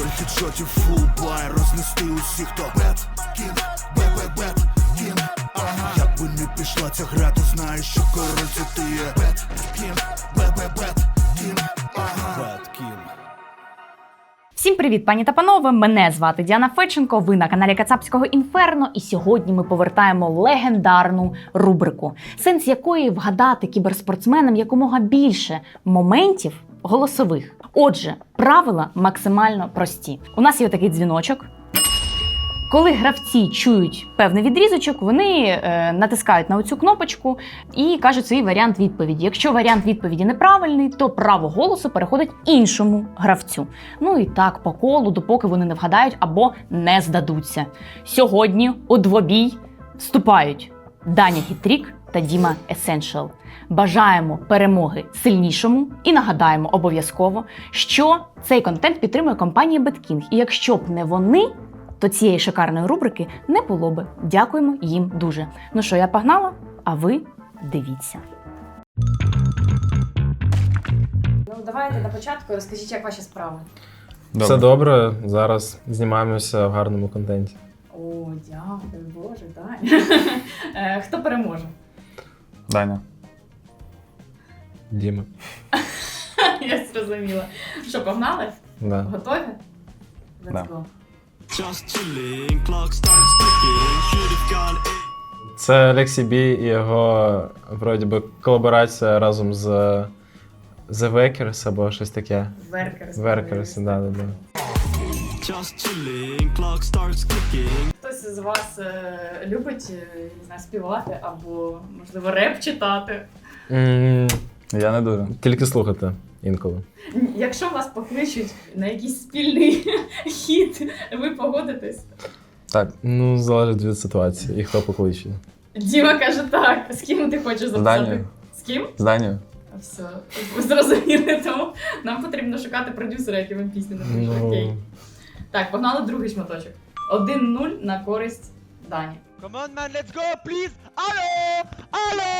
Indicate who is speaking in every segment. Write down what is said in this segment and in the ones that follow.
Speaker 1: хедшотів, фул бай, рознести усіх, хто бет, кінг, бе-бе-бет, кінг, ага. Як би не пішла ця гра, ти знаєш, що король це ти є. Бет, кінг, бе-бе-бет, кінг, ага. Бет, кінг.
Speaker 2: Всім привіт, пані та панове! Мене звати Діана Федченко, ви на каналі Кацапського Інферно, і сьогодні ми повертаємо легендарну рубрику, сенс якої вгадати кіберспортсменам якомога більше моментів голосових. Отже, правила максимально прості. У нас є такий дзвіночок. Коли гравці чують певний відрізочок, вони натискають на оцю кнопочку і кажуть свій варіант відповіді. Якщо варіант відповіді неправильний, то право голосу переходить іншому гравцю. Ну і так по колу, допоки вони не вгадають або не здадуться. Сьогодні у двобій вступають Даня Гітрік та Діма Есеншал. Бажаємо перемоги сильнішому і нагадаємо обов'язково, що цей контент підтримує компанія BetKing. І якщо б не вони, то цієї шикарної рубрики не було би. Дякуємо їм дуже. Ну що, я погнала, а ви дивіться. Ну, давайте на початку розкажіть, як ваші справи.
Speaker 3: Добре. Все добре, зараз знімаємося в гарному контенті.
Speaker 2: О, дякую, Боже, Даня. Хто переможе?
Speaker 4: Даня.
Speaker 3: Діма.
Speaker 2: Я зрозуміла. Що, погнали?
Speaker 3: Да.
Speaker 2: Готові? Let's
Speaker 4: Да.
Speaker 2: go.
Speaker 3: Це Лексі Бі і його, вроді би, колаборація разом з The Workers або щось таке. Workers, да.
Speaker 2: Хтось з вас любить, не знаю, співати або, можливо, реп читати?
Speaker 4: Я не дуже.
Speaker 3: Тільки слухати інколи.
Speaker 2: Якщо вас покличуть на якийсь спільний хіт, ви погодитесь?
Speaker 4: Так,
Speaker 3: Ну, залежить від ситуації і хто покличе.
Speaker 2: Діма каже так. З ким ти хочеш
Speaker 4: з
Speaker 2: записати?
Speaker 4: Данією.
Speaker 2: З ким?
Speaker 4: З Данією.
Speaker 2: Все, ви зрозуміли, тому нам потрібно шукати продюсера, який вам пісню напише. Окей. Так, погнали другий шматочок. 1-0 на користь Дані.
Speaker 5: Come on, man, let's go, please! Алло! Алло!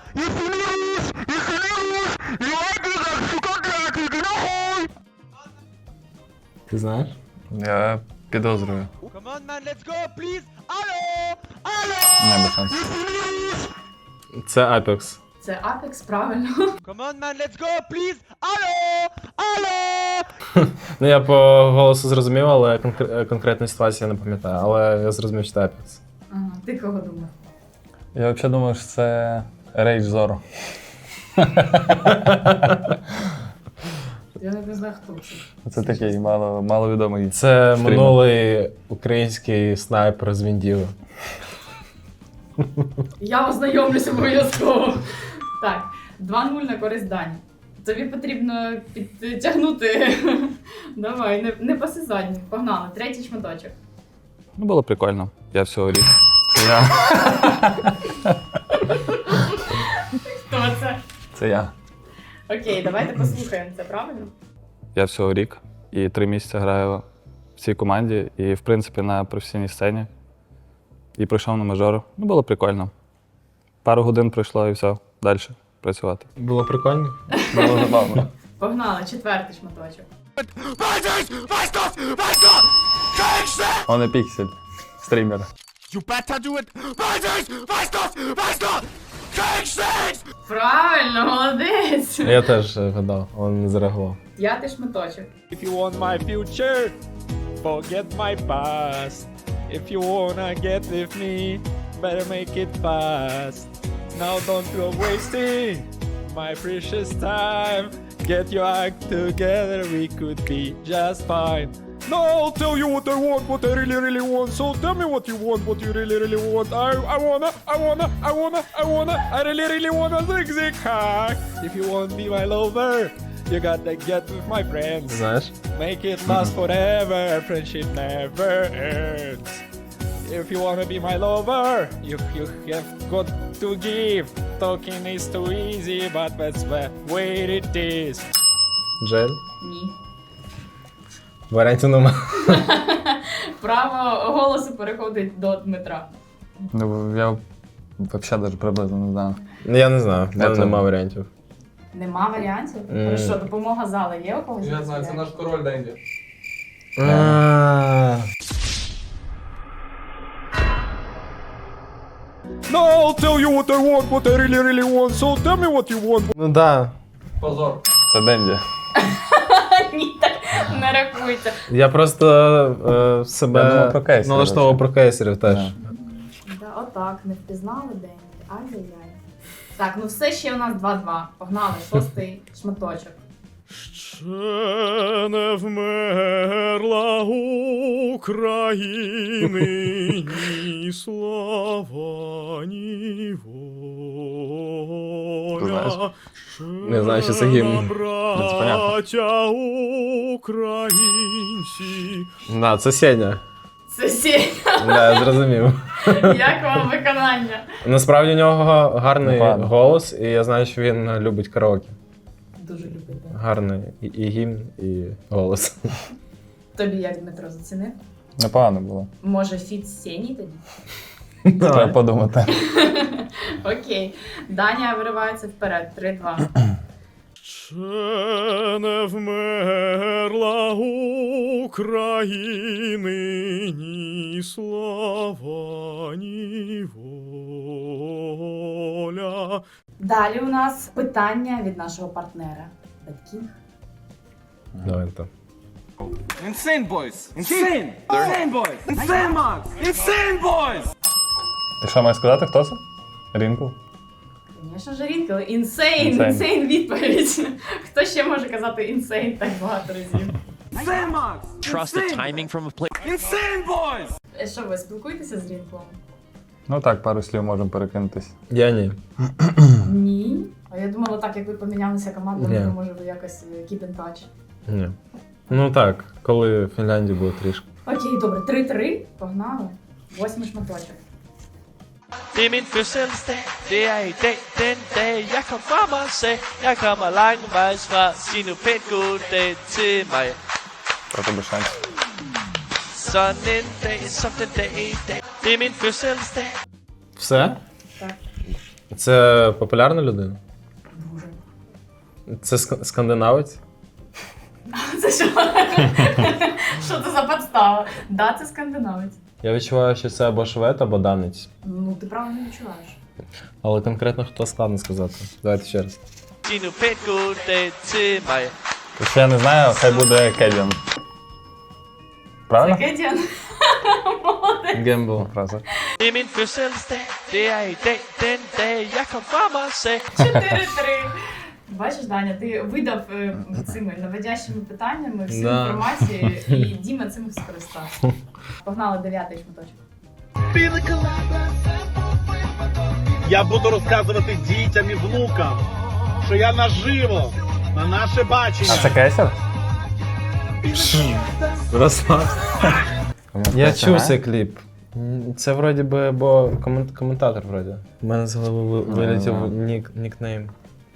Speaker 3: Ти знаєш?
Speaker 4: Я підозрюю.
Speaker 5: Come on, man, let's go, please! Алло! Алло!
Speaker 4: Не без шансів.
Speaker 3: Це Apex.
Speaker 2: Це Apex, правильно.
Speaker 5: Come on, man, let's go, please! Алло! Алло!
Speaker 3: Ну, я по голосу зрозумів, але конкретної ситуації я не пам'ятаю. Але я зрозумів, що це Apex.
Speaker 2: Ага, ти кого думав?
Speaker 4: Я взагалі думаю, що це Rage Zoro.
Speaker 2: Я не знаю, хто це.
Speaker 4: Це такий маловідомий.
Speaker 3: Це
Speaker 4: стрімер.
Speaker 3: минулий український снайпер з Віндіви.
Speaker 2: Я ознайомлюсь обов'язково. Так, 2-0 на користь Дані. Тобі потрібно підтягнути. Давай, не паси задніх. Погнали, третій шматочок.
Speaker 4: Ну, було прикольно. Я всього рік. Це я.
Speaker 2: Хто це?
Speaker 4: Це я.
Speaker 2: Окей, давайте послухаємо це, правильно?
Speaker 4: Я всього рік і 3 місяці граю в цій команді і, в принципі, на професійній сцені. І прийшов на мажор. Ну, було прикольно. Пару годин пройшло і все, далі працювати.
Speaker 3: Було прикольно.
Speaker 4: Було забавно.
Speaker 2: Погнали, четвертий шматочок.
Speaker 4: Он і піксель. Стрімер.
Speaker 5: You better do it!
Speaker 2: Правильно, молодець!
Speaker 3: Я теж гадав, він не зареагував.
Speaker 2: П'ятий шматочок.
Speaker 5: If you want my future, forget my past. If you wanna get with me, better make it fast. Now don't go wasting my precious time. Get your act together, we could be just fine. No, I'll tell you what I want, what I really want. So tell me what you want, what you really want. I really wanna zig hack. If you want to be my lover, you gotta get with my friends.
Speaker 3: Знаєш?
Speaker 5: Make it last forever, friendship never ends. If you wanna be my lover, you have got to give. Talking is too easy, but that's the way it is.
Speaker 3: Джель?
Speaker 2: Ні.
Speaker 3: Варіантів нема.
Speaker 2: Право голосу переходить до Дмитра.
Speaker 4: Ну, я взагалі навіть приблизно не знаю.
Speaker 3: Я не знаю, в мене
Speaker 4: Це-
Speaker 3: нема варіантів.
Speaker 2: Нема варіантів? Хорошо, допомога зали є у когось?
Speaker 6: Я знаю, це наш король Денді.
Speaker 5: No, I'll tell you what I want, what I really, really want. So tell me what you want.
Speaker 3: Ну да.
Speaker 4: Це Денді.
Speaker 2: Ні, так не рахується.
Speaker 3: Я просто
Speaker 4: Я
Speaker 3: себе
Speaker 4: думав про кейсерів,
Speaker 3: налаштовував
Speaker 4: взагалі.
Speaker 3: про кейсерів теж.
Speaker 4: Да.
Speaker 2: Да, отак, не впізнали день. Ай-яй-яй. Так, ну все ще у нас 2-2. Погнали, 6-й шматочок.
Speaker 5: Ще не вмерла України ні слава, ні
Speaker 4: Ти знаєш?
Speaker 5: воля.
Speaker 3: Не знаю, що це гімн.
Speaker 5: Браття українці.
Speaker 3: Да, це Сеня.
Speaker 2: Це Сеня.
Speaker 3: Да, я зрозумів.
Speaker 2: Як вам виконання?
Speaker 3: Насправді у нього гарний
Speaker 4: Непогано.
Speaker 3: голос, і я знаю, що він любить караоке.
Speaker 2: Дуже любите.
Speaker 3: Гарний і гімн, і голос.
Speaker 2: Тобі як, Дмитро, зацінив?
Speaker 4: Непогано було.
Speaker 2: Може, фіт з Сені тоді?
Speaker 4: Треба подумати.
Speaker 2: Окей. Даня виривається вперед. 3-2.
Speaker 5: Ще не вмерла України ні слава, ні воля.
Speaker 2: Далі у нас питання від нашого партнера. Батьків.
Speaker 3: Давай там.
Speaker 6: Insane boys! Insane! Insane boys! Insane Max! Insane boys!
Speaker 4: Ти що маєш сказати, хто це? Рінкл?
Speaker 2: Звісно ж, Рінкл. Інсейн відповідь. Хто ще може казати інсейн так багато разів?
Speaker 6: Insane Max!
Speaker 7: Trust the timing from a player.
Speaker 6: Insane boys!
Speaker 2: Що ви спілкуєтеся з Рінклом?
Speaker 4: Ну так, пару слів можемо перекинутись.
Speaker 3: Я ні.
Speaker 2: Ні. А я думала, так як ви помінялися командами,
Speaker 3: Ні.
Speaker 2: то може ви якось keep in touch.
Speaker 3: Ні. Ну так, коли в Фінляндії було трішки.
Speaker 2: Окей, добре, 3-3. Pogнали. 8-й шматочок.
Speaker 7: Det er min fødselsdag, det er i dag, den dag jeg kom frem og sagde, jeg kommer langvejs fra, sig nu pænt god dag til mig.
Speaker 4: Про тебе шанс.
Speaker 7: Sådan en dag som den dag i dag, det er min fødselsdag.
Speaker 3: Все?
Speaker 2: Так.
Speaker 3: Це популярна людина?
Speaker 2: Дуже.
Speaker 3: Це скандинавець?
Speaker 2: Це що? Що це за подстава? Да, це скандинавець.
Speaker 3: Я відчуваю, що це або швед, або данець.
Speaker 2: Ну, ти правильно відчуваєш.
Speaker 3: Але конкретно хто складно сказати. Давайте ще раз.
Speaker 7: Sig nu pænt god dag til mig.
Speaker 4: Якщо я не знаю, хай буде Кедіан. Правильно?
Speaker 2: Кедіан. Молодець.
Speaker 3: Гембл.
Speaker 4: Фраза.
Speaker 7: Det er min fødselsdag, det er i dag, den dag jeg kom frem og sagde,
Speaker 2: 4-3. Бачиш, Даня, ти видав цими наводящими питаннями всю
Speaker 3: Да.
Speaker 2: інформацію, і Діма цим скористався. Погнали 9-й шматочок.
Speaker 8: Я буду розказувати дітям і внукам, що я наживо, на наше бачення.
Speaker 4: А це Кейсер?
Speaker 3: Я чув цей кліп. Це вроді би, бо коментатор вроді. У мене з голови вилетів нікнейм.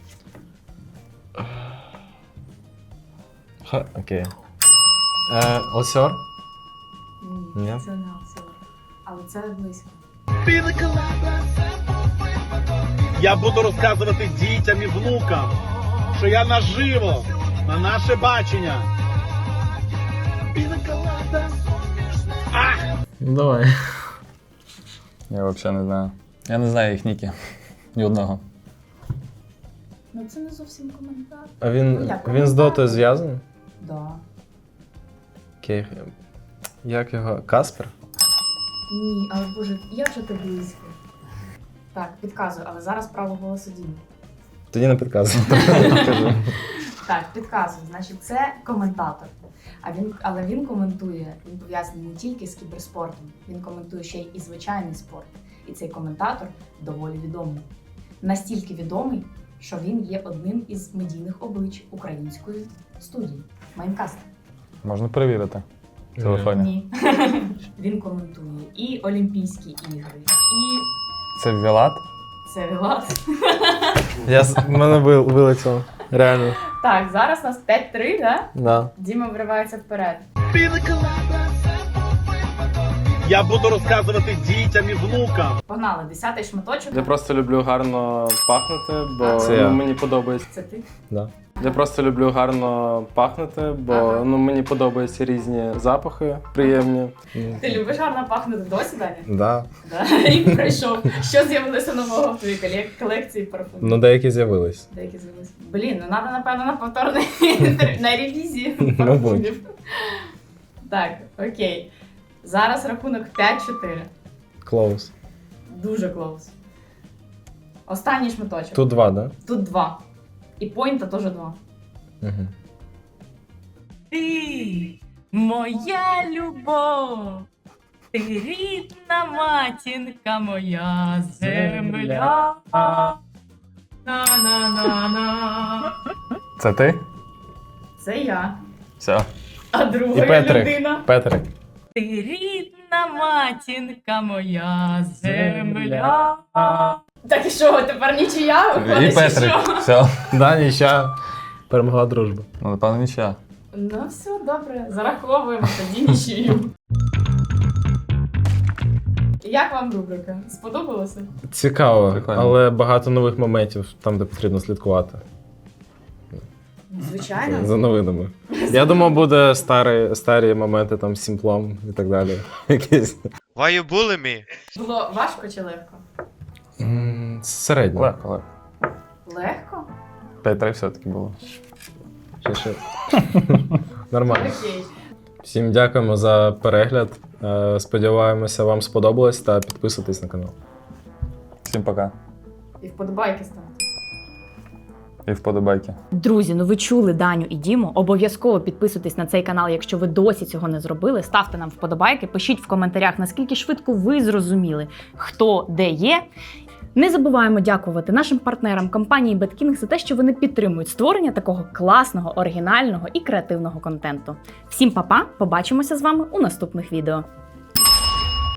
Speaker 3: Окей. Олсьор? Ні.
Speaker 2: Це не Алсор. Але це близько.
Speaker 8: Я буду розказувати дітям і внукам, що я наживо, на наше бачення.
Speaker 3: Ну давай.
Speaker 4: Я взагалі не знаю. Я не знаю їх ніки. Ні одного.
Speaker 2: Ну це не зовсім коментар.
Speaker 3: А
Speaker 2: Ну,
Speaker 3: він
Speaker 2: як,
Speaker 3: з Дотою зв'язаний?
Speaker 2: Да.
Speaker 3: Окей. Як його? Каспер?
Speaker 2: Ні, але боже, я вже так близько. Так, підказую, але зараз право голосу Діми.
Speaker 3: Тоді не підказуй.
Speaker 2: Так, підказую. Значить, це коментатор. Але він коментує, він пов'язаний не тільки з кіберспортом, він коментує ще й і звичайний спорт. І цей коментатор доволі відомий. Настільки відомий, що він є одним із медійних облич української студії Майнкаст.
Speaker 4: Можна перевірити. В телефоні.
Speaker 2: Ні. Він коментує і Олімпійські ігри, і
Speaker 4: Це Вілат?
Speaker 2: це Вілат.
Speaker 3: В мене вилетіло. Реально.
Speaker 2: Так, зараз у нас 5-3, да?
Speaker 3: Да.
Speaker 2: Діма вривається вперед.
Speaker 8: Я буду розказувати дітям і внукам.
Speaker 2: Погнали, 10-й шматочок.
Speaker 9: Я просто люблю гарно пахнути, бо
Speaker 3: Це я.
Speaker 9: мені подобається.
Speaker 2: Це ти?
Speaker 3: Да.
Speaker 9: Я просто люблю гарно пахнути, бо
Speaker 2: Ага.
Speaker 9: мені подобаються різні запахи приємні.
Speaker 2: Ти любиш гарно пахнути досі, Даня?
Speaker 3: Да.
Speaker 2: Да. Рік пройшов. Що з'явилося нового в твоїй колекції парфумів?
Speaker 3: Ну, деякі з'явились.
Speaker 2: Деякі з'явилися. Блін, ну треба, напевно, на повторний на ревізію
Speaker 3: Мабуть.
Speaker 2: парфумів. Так, окей. Зараз рахунок 5-4.
Speaker 3: Close.
Speaker 2: Дуже клоус. Останній шматочок.
Speaker 3: Тут 2, да?
Speaker 2: Тут 2. І поінта теж 2.
Speaker 3: Угу.
Speaker 2: Ти моя любов, ти рідна матінка моя земля. На-на-на-на.
Speaker 4: Це ти?
Speaker 2: Це я.
Speaker 4: Все.
Speaker 2: А
Speaker 3: І
Speaker 2: друга
Speaker 3: Петрик.
Speaker 2: людина.
Speaker 3: Петрик.
Speaker 2: Ти рідна матінка моя земля. Так і що, тепер нічия виходить?
Speaker 4: І Петрик.
Speaker 2: чи що?
Speaker 4: Все.
Speaker 3: Да, нічия. Перемогла дружба.
Speaker 4: Ну, напевно, нічия.
Speaker 2: Ну все, добре, зараховуємо тоді нічию. Як вам рубрика? Сподобалося?
Speaker 3: Цікаво,
Speaker 4: Прикольно.
Speaker 3: але багато нових моментів там, де потрібно слідкувати.
Speaker 2: Звичайно.
Speaker 3: За новинами. Я думав, буде старі моменти там з сімплом і так далі. Якісь.
Speaker 7: Why you bully me?
Speaker 2: Було важко чи легко?
Speaker 3: Середньо.
Speaker 4: Легко, легко.
Speaker 2: Легко?
Speaker 4: 5-3 все-таки було.
Speaker 3: Ще. Нормально.
Speaker 2: Окей.
Speaker 3: Всім дякуємо за перегляд. Сподіваємося, вам сподобалось та підписуйтесь на канал.
Speaker 4: Всім пока.
Speaker 2: І вподобайки ставте.
Speaker 4: І вподобайки.
Speaker 2: Друзі, ну ви чули Даню і Діму. Обов'язково підписуйтесь на цей канал, якщо ви досі цього не зробили. Ставте нам вподобайки, пишіть в коментарях, наскільки швидко ви зрозуміли, хто де є. Не забуваємо дякувати нашим партнерам компанії BetKing за те, що вони підтримують створення такого класного, оригінального і креативного контенту. Всім па-па, побачимося з вами у наступних відео.